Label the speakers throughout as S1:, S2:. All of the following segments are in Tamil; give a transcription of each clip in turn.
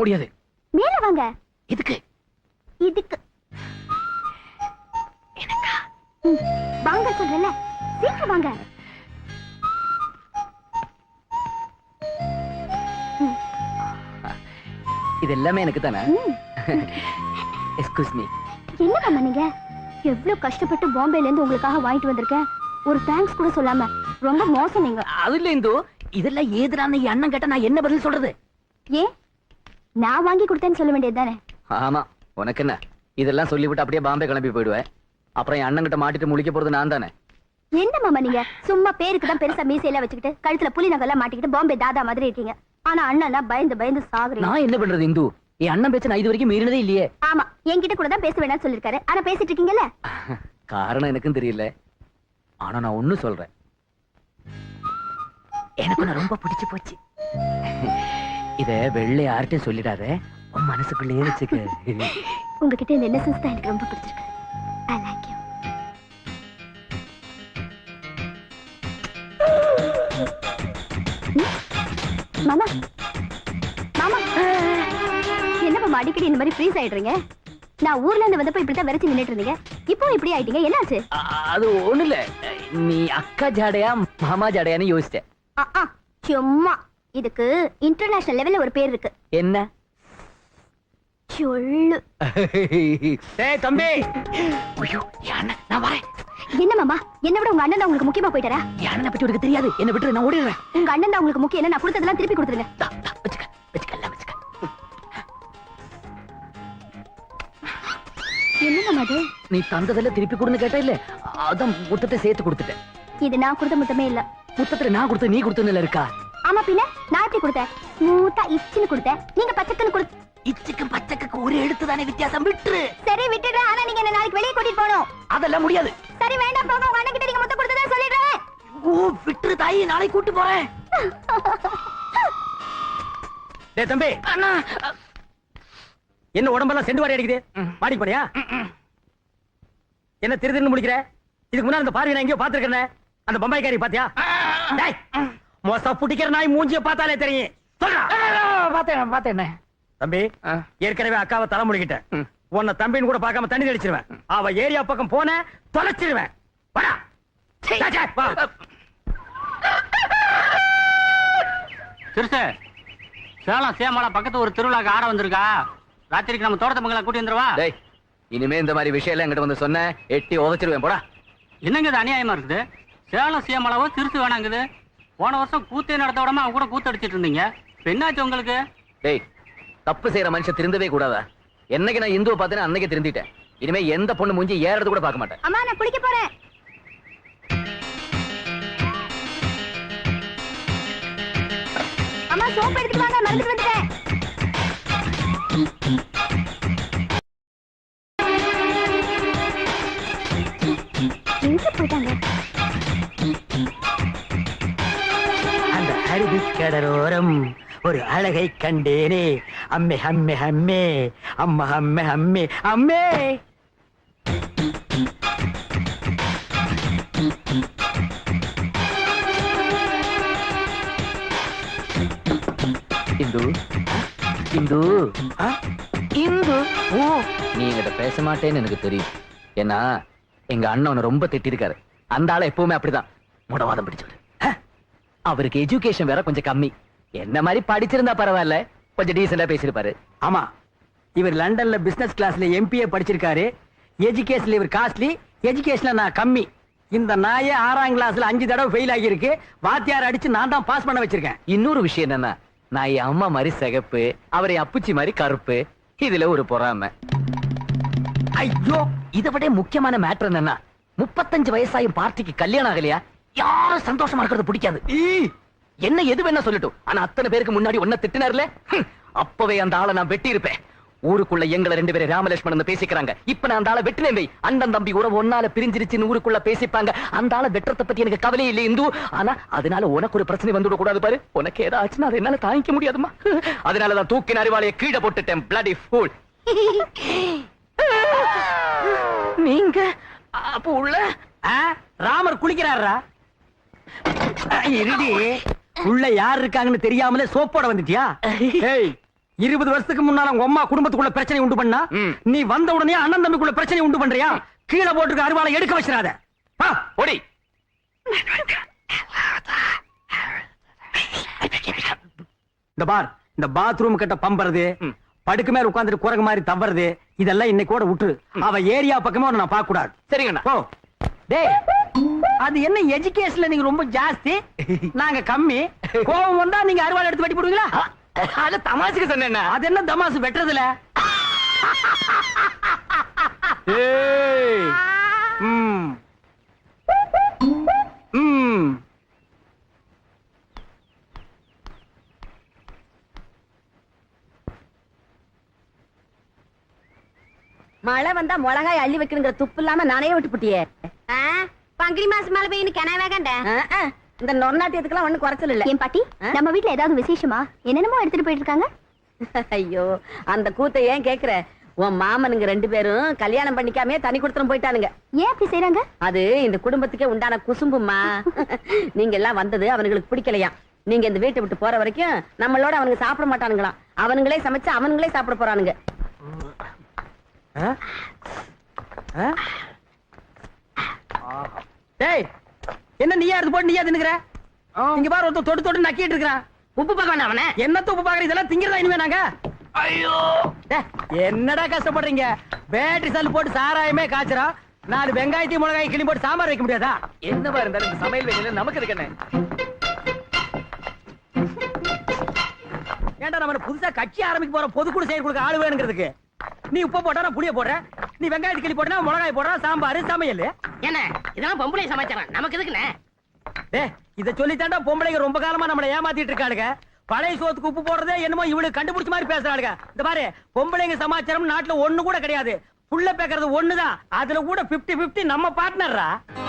S1: முடியாது.
S2: மேல வாங்க.
S1: இதுக்கு
S2: இதுக்கு எனக்கா? வாங்க சொல்றல, சீக்கிரம் வாங்க.
S1: இது எல்லாமே எனக்கு தானே? Excuse me.
S2: என்ன பண்ண நீங்க? எவ்வளவு கஷ்டப்பட்டு பாம்பேல இருந்து உங்களுக்காக வாங்கிட்டு வந்திருக்கேன். ஒரு தேங்க்ஸ் கூட சொல்லாம. ரொம்ப மோசம் நீங்க.
S1: அது இல்ல இந்து, இதெல்லாம் ஏதுடான்னு என் அண்ணன் கேட்டா நான் என்ன பதில் சொல்றது?
S2: ஏன் நான் வாங்கி கொடுத்தேன்னு சொல்ல வேண்டியது தானே?
S1: ஆமா, உனக்கு என்ன? இதெல்லாம் சொல்லிவிட்டு அப்படியே பாம்பே கிளம்பி போயிடுவேன். அப்புறம் என் அண்ணன் கிட்ட மாட்டிட்டு முழிக்க போறது நான் தானே.
S2: என்ன மாமா நீங்க சும்மா பேருக்கு தான் பெருசா மீசையெல்லாம் வச்சுக்கிட்டு கழுத்துல புலி நகெல்லாம் மாட்டிக்கிட்டு பாம்பே தாதா மாதிரி இருக்கீங்க. ஆனா அண்ணனா பயந்து பயந்து சாகுறீங்க.
S1: நான் என்ன பண்றது இந்து? என் அண்ணன் பேச்ச நான் இது வரைக்கும் மீறினதே இல்லையே.
S2: ஆமா, என்கிட்ட கூட தான் பேச வேணாம்னு சொல்லிருக்காரு. ஆனா பேசிட்டு இருக்கீங்கல்ல.
S1: காரணம் எனக்கும் தெரியல. ஆனா நான் ஒண்ணு சொல்றேன், எனக்கு நான் ரொம்ப பிடிச்சு போச்சு. இத வெள்ளை யார்கிட்டயும் சொல்லிடாத, உன் மனசுக்குள்ளேயே வச்சுக்க.
S2: உங்ககிட்ட இந்த இன்னசென்ஸ் தான் எனக்கு ரொம்ப பிடிச்சிருக்கு. I like you. மாமா மாமா, என்ன மாமா அடிக்கடி இந்த மாதிரி ஃப்ரீஸ் ஆயிடுறீங்க? நான் ஊர்ல இருந்து வந்தப்ப இப்படித்தான் வெறச்சி நின்னுட்டு இருந்தீங்க. இப்போ இப்படி ஆயிட்டீங்க, என்னாச்சு?
S1: அது ஒண்ணு இல்ல, நீ அக்கா ஜாடையா மாமா ஜாடையான்னு யோசிச்சேன்.
S2: சும்மா. இதுக்கு இன்டர்நேஷனல் லெவல்ல ஒரு பேர் இருக்கு.
S1: என்ன
S2: சொல்லு.
S1: ஏய் தம்பி. ஐயோ யானை, நான் வரேன்.
S2: என்ன மாமா, என்ன விட உங்க அண்ணன் தான் உங்களுக்கு முக்கியமா போயிட்டாரா?
S1: யானை பத்தி உனக்கு தெரியாது, என்ன விட்டு நான் ஓடிடுறேன்.
S2: உங்க அண்ணன் தான் உங்களுக்கு முக்கியம். என்ன நான் கொடுத்ததெல்லாம் திருப்பி கொடுத்துருங்க.
S1: வச்சுக்க வச்சுக்க எல்லாம் வச்சுக்க.
S2: என்ன மாமா அது?
S1: நீ தந்ததெல்லாம் திருப்பி கொடுன்னு கேட்டா இல்ல, அதான் மொத்தத்தை சேர்த்து கொடுத்துட்டேன்.
S2: இது நான் கொடுத்த மொத்தமே இல்ல.
S1: மொத்தத்துல நான் கொடுத்த நீ கொடுத்ததுல இருக்கா?
S2: ஆமா பின்ன, நான் எப்படி கொடுத்தேன்? ஸ்மூத்தா இச்சின்னு கொடுத்தேன். நீங்க பச்சைக்குன்னு கொடுத்து.
S1: இச்சுக்கும் பச்சைக்கு ஒரு எழுத்து தானே வித்தியாசம். விட்டுரு.
S2: சரி விட்டுடுறேன். ஆனா நீங்க என்ன நாளைக்கு வெளியே கூட்டிட்டு போகணும்.
S1: அதெல்லாம் முடியாது.
S2: சரி வேண்டாம், போங்க. உங்க அண்ணன் கிட்ட நீங்க மொத்தம் கொடுத்ததா சொல்லிடுறேன்.
S1: ஓ விட்டுரு தாயி, நாளைக்கு கூட்டு போறேன்.
S3: டேய் தம்பி,
S1: அண்ணா
S3: என்ன உடம்பெல்லாம் செண்டு வாரி அடிக்குது? மாடி போறியா? என்ன திருதின்னு முடிக்கிற? இதுக்கு முன்னாடி அந்த பார்வை நான் எங்கேயோ பாத்துருக்கேன். அந்த பம்பாய்க்காரி பாத்தியா? டேய், மோசா புடிக்கிற நாய் மூஞ்சிய பார்த்தாலே தெரியும். சொல்றா.
S1: பாத்தேன் பாத்தேன்.
S3: தம்பி, ஏற்கனவே அக்காவை தலை முடிக்கிட்டேன். உன்னை தம்பின்னு கூட பார்க்காம தண்ணி தெளிச்சிருவேன். அவ ஏரியா பக்கம் போன தொலைச்சிருவேன். வாடா. வா.
S4: சிறுசு, சேலம் சேமலா பக்கத்து ஒரு திருவிழாக்கு ஆட வந்திருக்கா. ராத்திரிக்கு நம்ம தோட்டத்தை மக்களை கூட்டி வந்துருவா.
S1: டேய், இனிமே இந்த மாதிரி விஷயம் எல்லாம் என்கிட்ட வந்து சொன்ன எட்டி உதச்சிருவேன். போடா.
S4: என்னங்க இது அநியாயமா இருக்குது? சேலம் சேமலாவோ சிறுசு வேணாங்குது. போன வருஷம் கூத்தே நடத்த விடாம அவங்க கூட கூத்தடிச்சிட்டு இருந்தீங்க. இப்ப என்னாச்சு உங்களுக்கு?
S1: டேய், தப்பு செய்யற மனுஷன் திருந்தவே கூடாதா? என்னைக்கு நான் இந்துவை பார்த்தேன்னு அன்னைக்கு திருந்திட்டேன். இனிமே எந்த பொண்ணு மூஞ்சி ஏறது கூட பார்க்க மாட்டேன்.
S2: அம்மா நான் குளிக்க போறேன். அம்மா சோப் எடுத்துட்டு வாங்க, மறந்துட்டு வந்துட்டேன். எங்க போயிட்டாங்க?
S3: அந்த அருவிக் கடலோரம் ஒரு அழகை கண்டேனே. அம்மே அம்மே அம்மே, அம்மா அம்மே அம்மே அம்மே.
S1: இந்து இந்து இந்து. ஓ, நீ என்கிட்ட பேச மாட்டேன்னு எனக்கு தெரியும். ஏன்னா எங்க அண்ணன் ரொம்ப திட்டிருக்காரு. அந்த ஆளை எப்பவுமே அப்படிதான் முடவாதம் பிடிச்சவர். அவருக்கு எஜுகேஷன் வேற கொஞ்சம் கம்மி. என்ன மாதிரி படிச்சிருந்தா பரவாயில்ல, கொஞ்சம் டீசெண்டா பேசிருப்பாரு.
S3: ஆமா, இவர் லண்டன்ல பிசினஸ் கிளாஸ்ல எம்பிஏ படிச்சிருக்காரு. எஜுகேஷன்ல இவர் காஸ்ட்லி, எஜுகேஷன்ல நான் கம்மி. இந்த நாயே 6ஆம் கிளாஸ்ல 5 தடவை ஃபெயில் ஆகியிருக்கு. வாத்தியார் அடிச்சு நான் தான் பாஸ் பண்ண வச்சிருக்கேன்.
S1: இன்னொரு விஷயம் என்னன்னா, நான் என் அம்மா மாதிரி சிகப்பு, அவரை அப்புச்சி மாதிரி கருப்பு. இதுல ஒரு பொறாமை. ஐயோ, இதை விட முக்கியமான மேட்டர் என்னன்னா, 35 வயசாயும் பார்ட்டிக்கு கல்யாணம் ஆகலையா? யாரும் சந்தோஷமா இருக்கிறது பிடிக்காது. என்ன எது வேணா சொல்லட்டும், ஆனா அத்தனை பேருக்கு முன்னாடி ஒன்ன திட்டினார்ல, அப்பவே அந்த ஆளை நான் வெட்டி இருப்பேன். ஊருக்குள்ள எங்களை 2 பேரும் ராமலட்சுமணன் பேசிக்கிறாங்க. இப்ப நான் அந்த ஆளை வெட்டினேன் வை. அண்ணன் தம்பி உறவு ஒன்னால பிரிஞ்சிருச்சுன்னு ஊருக்குள்ள பேசிப்பாங்க. அந்த ஆளை வெற்றத்தை பத்தி எனக்கு கவலை இல்லை இந்து. ஆனா அதனால உனக்கு ஒரு பிரச்சனை வந்துவிட கூடாது பாரு. உனக்கு ஏதாச்சுன்னா அதை என்னால தாங்கிக்க முடியாதுமா. அதனாலதான் தூக்கின அறிவாளைய கீழே போட்டுட்டேன். Bloody fool. நீங்க அப்ப உள்ள
S3: ராமர் குளிக்கிறாரா? இருடி, உள்ள யார் இருக்காங்கன்னு தெரியாமலே சோப்போட வந்துட்டியா? ஏய், 20 வருஷத்துக்கு முன்னால உங்க அம்மா குடும்பத்துக்குள்ள பிரச்சனை உண்டு பண்ணா
S1: ம்.
S3: நீ வந்த உடனே அண்ணன் தம்பிக்குள்ள பிரச்சனை உண்டு பண்றியா? கீழே போட்டுருக்க அருவாளை எடுக்க வச்சிடாத. வா.
S1: ஓடி.
S3: இந்த பார், இந்த பாத்ரூம் கிட்ட பம்பறது,
S1: ம்.
S3: படுக்கு மேல உட்கார்ந்துட்டு குரங்கு மாதிரி தவறது, இதெல்லாம் இன்னைக்கு விட்டுரு. அவ ஏரியா பக்கமே உன்னை நான் பார்க்க கூடாது.
S1: சரிங்கண்ணா.
S3: போ. டேய், அது என்ன எஜுகேஷன்ல நீங்க ரொம்ப ஜாஸ்தி, நாங்க கம்மி. கோவம் வந்தா நீங்க அருவாள் எடுத்து வெட்டி போடுவீங்களா?
S1: அது தமாசுக்கு சொன்னேன்னா.
S3: அது என்ன தமாசு வெட்டுறதுல? ஏய். ம். ம்.
S5: மழை வந்தா மிளகாய் அள்ளி வைக்கணுங்கிற துப்பு இல்லாம நனைய விட்டு புட்டியே.
S2: பங்குனி மாசம் மழை பெய்யுன்னு கிணவே கண்டேன்.
S5: இந்த நொன்னாட்டியத்துக்கெல்லாம் ஒண்ணும் குறைச்சல் இல்ல.
S2: என் பாட்டி, நம்ம வீட்ல ஏதாவது விசேஷமா? என்னென்னமோ எடுத்துட்டு போயிட்டு இருக்காங்க.
S5: ஐயோ, அந்த கூத்தை ஏன் கேக்குற? உன் மாமனுங்க 2 பேரும் கல்யாணம் பண்ணிக்காமே தனி கொடுத்துரும் போயிட்டானுங்க.
S2: ஏன் அப்படி செய்றாங்க?
S5: அது இந்த குடும்பத்துக்கே உண்டான குசும்புமா. நீங்க எல்லாம் வந்தது அவனுங்களுக்கு பிடிக்கலையா? நீங்க இந்த வீட்டை விட்டு போற வரைக்கும் நம்மளோட அவனுங்க சாப்பிட மாட்டானுங்களாம். அவனுங்களே சமைச்சு அவனுங்களே சாப்பிட போறானுங்க.
S3: டேய், என்ன நீயா எடுத்து போட்டு நீயா தின்னுக்கிற? இங்க பாரு, ஒருத்தன் தொட்டு தொட்டு நக்கிட்டு இருக்கிறான்.
S5: உப்பு பார்க்க வேண்டாம் அவனை.
S3: என்ன உப்பு பாக்குற? இதெல்லாம் திங்கிறதா இனிமே நாங்க?
S1: ஐயோ.
S3: டேய், என்னடா கஷ்டப்படுறீங்க? பேட்டரி செல் போட்டு சாராயமே காய்ச்சறோம். 4 வெங்காயத்தையும் மிளகாய் கிளி போட்டு சாம்பார் வைக்க முடியாதா?
S1: என்னவா இருந்தாலும் இந்த சமையல் வேலையில நமக்கு இருக்கனே.
S3: ஏன்டா நம்ம புதுசா கட்சி ஆரம்பிக்க போற பொதுக்குழு செயற்குழுக்கு ஆளு வேணுங்கிறதுக்கு நீ உப்பு போட்டா நான் புளிய போடுறேன், நீ வெங்காயத்தை கிளி போட்டா மிளகாய் போடுற, சாம்பார் சமையல்.
S5: என்ன இதெல்லாம் பொம்பளை சமாச்சாரம், நமக்கு எதுக்குண்ணே?
S3: டேய், இத சொல்லித்தாண்டா பொம்பளைங்க ரொம்ப காலமா நம்மள ஏமாத்திட்டு இருக்காளுங்க. பழைய சோத்துக்கு உப்பு போடுறதே என்னமோ இவளுக்கு கண்டுபிடிச்ச மாதிரி பேசுறாளுங்க. இந்த பாரு, பொம்பளைங்க சமாச்சாரம் நாட்டுல ஒண்ணு கூட கிடையாது. புள்ள பேக்கறது ஒண்ணுதான். அதுல கூட 50-50 நம்ம பார்ட்னர்ரா.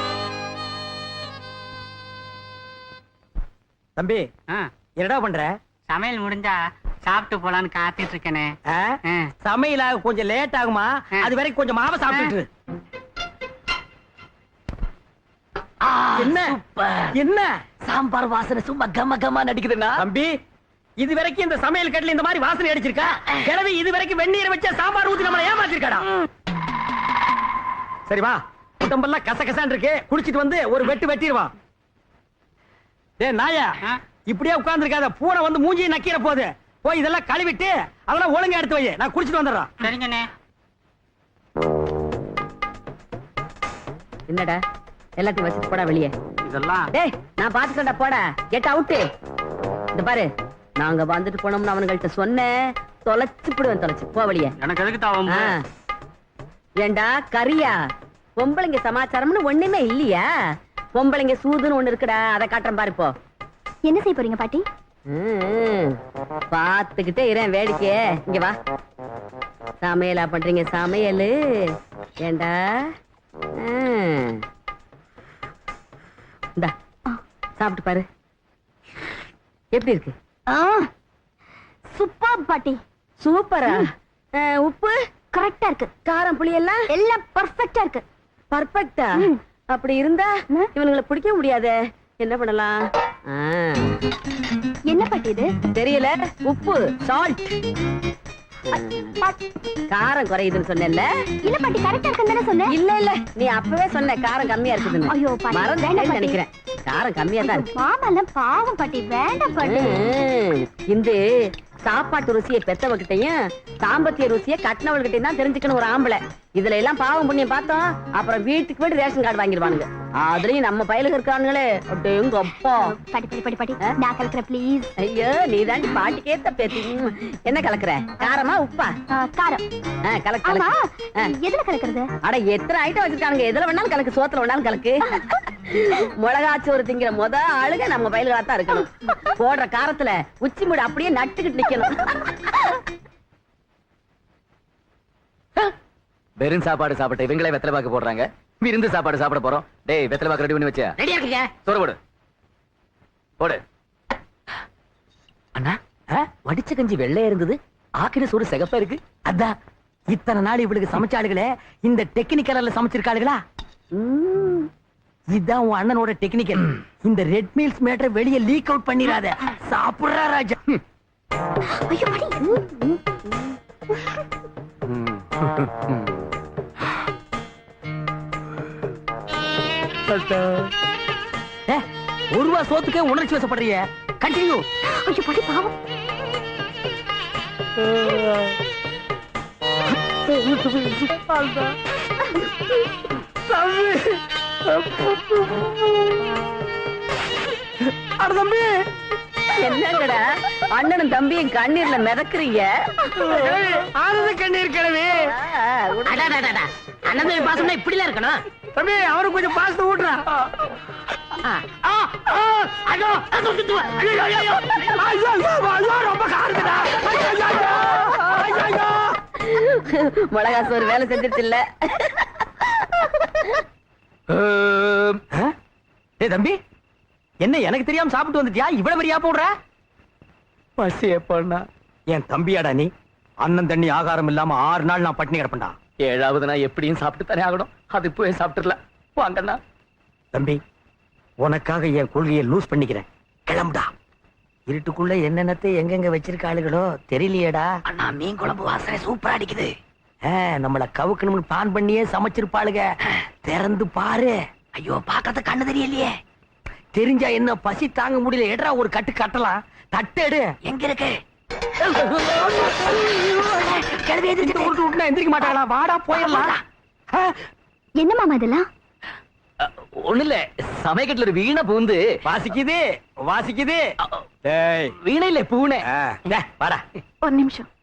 S3: தம்பி, என்னடா பண்ற?
S4: சமையல் முடிஞ்சா சாப்பிட்டு போலான்னு காத்துட்டு இருக்கேனே.
S3: சமையல கொஞ்சம் லேட் ஆகுமா? அது வரைக்கும் கொஞ்சம் மாவை சாப்பிட்டு. என்ன என்ன
S1: சாம்பார் வாசனை சும்மா கம கமா நடிக்குதுன்னா.
S3: தம்பி, இது வரைக்கும் இந்த சமையல் கட்டில இந்த மாதிரி வாசனை அடிச்சிருக்கா? கிழவி இது வரைக்கும் வெந்நீரை வச்ச சாம்பார் ஊத்தி நம்மள ஏமாத்திருக்காடா. சரி வா, உடம்பெல்லாம் கசகசான் இருக்கு, குடிச்சிட்டு வந்து ஒரு வெட்டு வெட்டிடுவான். டேய் நாயா, இப்படியே உட்கார்ந்துருக்காத, பூனை வந்து மூஞ்சியை நக்கிற போது. போய் இதெல்லாம் கழுவிட்டு அதெல்லாம் ஒழுங்கா எடுத்து வை, நான் குடிச்சிட்டு வந்துடுறேன்.
S4: சரிங்கண்ணே.
S5: என்னடா எல்லாத்தையும் வச்சுட்டு போடா வெளியே.
S4: இதெல்லாம்
S5: டேய், நான் பாத்துக்கண்டா, போடா, கெட் அவுட். இந்த பாரு, நாங்க வந்துட்டு போனோம்னு அவனுங்கள்ட்ட சொன்னேன், தொலைச்சு போடுவேன், தொலைச்சு போ வெளியே.
S4: எனக்கு எதுக்கு தாவும்?
S5: ஏண்டா கரியா, பொம்பளைங்க சமாச்சாரம்னு ஒண்ணுமே இல்லையா? பொம்பளைங்க சூதுன்னு ஒண்ணு இருக்குடா, அதை காட்டுறேன் பாரு. போ.
S2: என்ன செய்ய போறீங்க பாட்டி?
S5: பாத்துக்கிட்டே இரேன் வேடிக்கைய. இங்க வா, சமையலா பண்றீங்க சமையல்? ஏண்டா இந்தா சாப்பிட்டு பாரு, எப்படி இருக்கு?
S2: சூப்பர் பாட்டி.
S5: சூப்பரா? உப்பு
S2: கரெக்டா இருக்கு.
S5: காரம் புளி எல்லாம்
S2: எல்லாம் பர்ஃபெக்ட்டா இருக்கு.
S5: பர்ஃபெக்ட்டா? அப்படி இருந்தா இவனுங்களை பிடிக்க முடியாதே. என்ன பண்ணலாம்?
S2: என்ன பாட்டி இது?
S5: தெரியல. உப்பு, சால்ட். காரம் குறையுதுன்னு சொன்னேன்ல?
S2: இல்ல பாட்டி, கரெக்டா இருக்குன்னு தானே சொன்னேன்.
S5: இல்ல இல்ல, நீ அப்பவே சொன்ன காரம் கம்மியா இருக்குதுன்னு.
S2: ஐயோ பாட்டி,
S5: மறந்தேன்னு நினைக்கிறேன். காரம் கம்மியா தான் இருக்கு.
S2: மாமெல்லாம் பாவம் பாட்டி, வேண்டாம் பாட்டி.
S5: இந்த சாப்பாட்டு ருசியை பெத்தவகிட்டையும் சாம்பத்திய ருசியை கட்டினவள்கிட்டையும் தான் தெரிஞ்சுக்கணும் ஒரு ஆம்பளை. இதுல எல்லாம் பாவம் புண்ணியம் பார்த்தோம், அப்புறம் வீட்டுக்கு வீடு ரேஷன் கார்டு வாங்கிடுவானுங்க. அதுலயும் நம்ம பயிலுக்கு இருக்கானுங்களே, அப்படிங்க அப்பா.
S2: பாட்டி பாட்டி பாட்டி பாட்டி, நான் கலக்குறேன் ப்ளீஸ்.
S5: ஐயோ, நீ தாண்டி பாட்டுக்கேத்த பேத்தி. என்ன கலக்குற? காரமா உப்பா?
S2: காரம்.
S5: கலக்கு
S2: ஆமா,
S5: கலக்கு.
S2: எதுல கலக்குறது?
S5: அட, எத்தனை ஐட்டம் வச்சிருக்காங்க, எதுல வேணாலும் கலக்கு, சோத்துல வேணாலும் கலக்கு. மிளகாச்சோறு திங்கிற ஆளுக நம்ம பயில்களா தான் இருக்கணும். போடுற காரத்துல உச்சி மூடு அப்படியே நட்டுக்கிட்டு நிக்கணும்.
S1: வெறும் சாப்பாடு சாப்பிட்ட இவங்களே வெத்தலை பாக்கு போடுறாங்க. விருந்து சாப்பாடு சாப்பிட போறோம். டேய், வெத்தலை பாக்கு ரெடி பண்ணி வச்சா?
S5: ரெடியா இருக்கீங்க?
S1: சோறு போடு போடு. அண்ணா, வடிச்ச கஞ்சி வெள்ளையா இருந்தது, ஆக்கின சோறு சிகப்பா இருக்கு.
S3: அதான் இத்தனை நாள் இவளுக்கு சமைச்சாளுகளே, இந்த டெக்னிக்கல்ல சமைச்சிருக்காளுகளா? இதுதான் உன் அண்ணனோட டெக்னிக்கல். இந்த ரெட் மீல்ஸ் மேட்டர் வெளியே லீக் அவுட் பண்ணிராத. சாப்பிடுறா ராஜா.
S2: ஐயோ படி
S3: ஏ, ஒரு ரூபா சோத்துக்கே உணர்ச்சி வசப்படுறீங்க. கண்டினியூ.
S2: ஐயோ படி பாவம்
S3: அட தம்பி,
S5: என்னங்கடா அண்ணனும் தம்பியும் கண்ணீர்ல மிதக்குறீங்க.
S3: ஆனந்த கண்ணீர் கிழவி.
S5: அண்ணன் தம்பி பாசம்னா இப்படிலாம் இருக்கணும்.
S3: தம்பி, அவருக்கு கொஞ்சம் பாசத்தை ஊட்டுறா. ரொம்ப காருதுடா.
S5: மிளகா சோறு வேலை செஞ்சிருச்சு இல்ல.
S3: ஏ தம்பி, என்ன எனக்கு தெரியாம சாப்பிட்டு வந்துட்டியா? இவ்வளவு பெரியா போடுற பசிய பண்ணா. என் தம்பியாடா நீ. அண்ணன் தண்ணி ஆகாரம் இல்லாம 6 நாள் நான் பட்டினி கிடப்பேன்டா.
S1: 7வது நான் எப்படியும் சாப்பிட்டு தானே ஆகணும். அது இப்பவே சாப்பிட்டுல வாங்கண்ணா.
S3: தம்பி, உனக்காக என் கொள்கையை லூஸ் பண்ணிக்கிறேன். கிளம்புடா. இருட்டுக்குள்ள என்னென்னத்தை எங்கெங்க வச்சிருக்க ஆளுகளோ தெரியலையேடா.
S1: அண்ணா, மீன் குழம்பு வாசனை சூப்பரா அடிக்குது.
S3: நம்மள கவுக்கணும்னு பிளான் பண்ணியே சமைச்சிருப்பாளுங்க. திறந்து பாரு.
S1: ஐயோ, பாக்கறத கண்ணு தெரியலையே.
S3: தெரிஞ்சா என்ன, பசி தாங்க முடியல. எட்ரா ஒரு கட்டு கட்டலாம். தட்டு எடு.
S1: எங்க இருக்கு?
S3: கிளவி எதிர்த்து உருட்டு விட்டுனா எந்திரிக்க மாட்டாங்களா? வாடா போயிடலாம்.
S2: என்ன மாமா இதெல்லாம்?
S1: ஒண்ணு இல்ல, சமயக்கட்டுல ஒரு வீணை பூந்து
S3: வாசிக்குது வாசிக்குது.
S1: வீணை இல்ல பூனை.
S3: வாடா.
S2: ஒரு நிமிஷம்.